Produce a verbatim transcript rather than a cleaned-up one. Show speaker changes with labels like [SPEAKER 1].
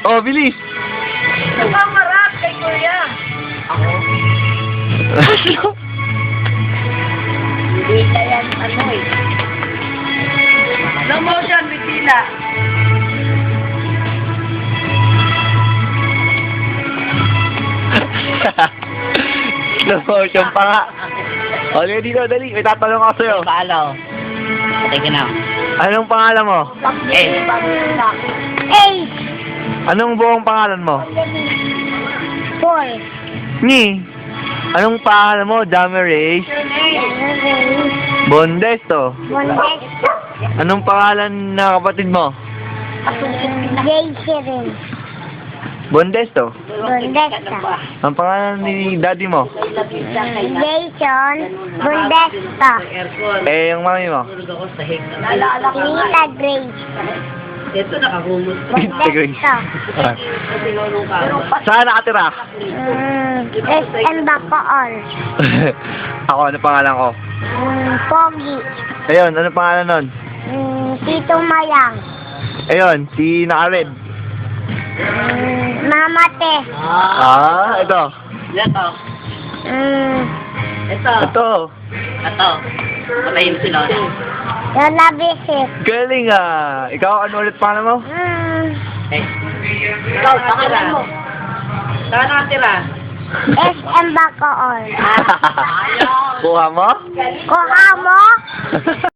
[SPEAKER 1] Oh, bilis!
[SPEAKER 2] Nakamarap kay Kuya. Ako? Hindi ka yan, ano eh. Slow motion, Bettina.
[SPEAKER 1] Slow motion pa nga. O, liga dito, dali. May tatanong ako sa'yo.
[SPEAKER 3] Paalo. Patay ka na.
[SPEAKER 1] Anong pangalan mo?
[SPEAKER 3] Eh.
[SPEAKER 2] Eight.
[SPEAKER 1] Anong buong pangalan mo?
[SPEAKER 2] Four.
[SPEAKER 1] Ni. Anong pangalan mo? Damaris? Bondesto.
[SPEAKER 2] Modesto.
[SPEAKER 1] Anong pangalan na kapatid mo?
[SPEAKER 2] Jason.
[SPEAKER 1] Bondesto.
[SPEAKER 2] Modesto.
[SPEAKER 1] Ang pangalan ni daddy mo?
[SPEAKER 2] Jason. Modesto.
[SPEAKER 1] Eh, yung mami mo?
[SPEAKER 2] Nita Grace.
[SPEAKER 3] Ito nakahumos.
[SPEAKER 1] Tita Grace.
[SPEAKER 2] Modesto.
[SPEAKER 1] Ah. Saan nakatira?
[SPEAKER 2] Mm, S M Bacoor.
[SPEAKER 1] Ako, ano pangalan ko?
[SPEAKER 2] Mm, Pogi.
[SPEAKER 1] Ayun, ano pangalan nun?
[SPEAKER 2] Mm, Tito Mayang.
[SPEAKER 1] Ayun, si naka-red.
[SPEAKER 2] Mm, Mama Te.
[SPEAKER 1] Ah, ito.
[SPEAKER 3] Ito.
[SPEAKER 2] Mm,
[SPEAKER 3] Ito.
[SPEAKER 1] Ito.
[SPEAKER 3] Ito. Patayin si Lola.
[SPEAKER 2] Lola Visit.
[SPEAKER 1] Galing ah. Ikaw, ano ulit pangalan mo?
[SPEAKER 2] Mm,
[SPEAKER 3] Eh. Ikaw, nakatira. Saan nakatira?
[SPEAKER 2] S M Bacoor.
[SPEAKER 1] Kuha mo?
[SPEAKER 2] Kuha mo?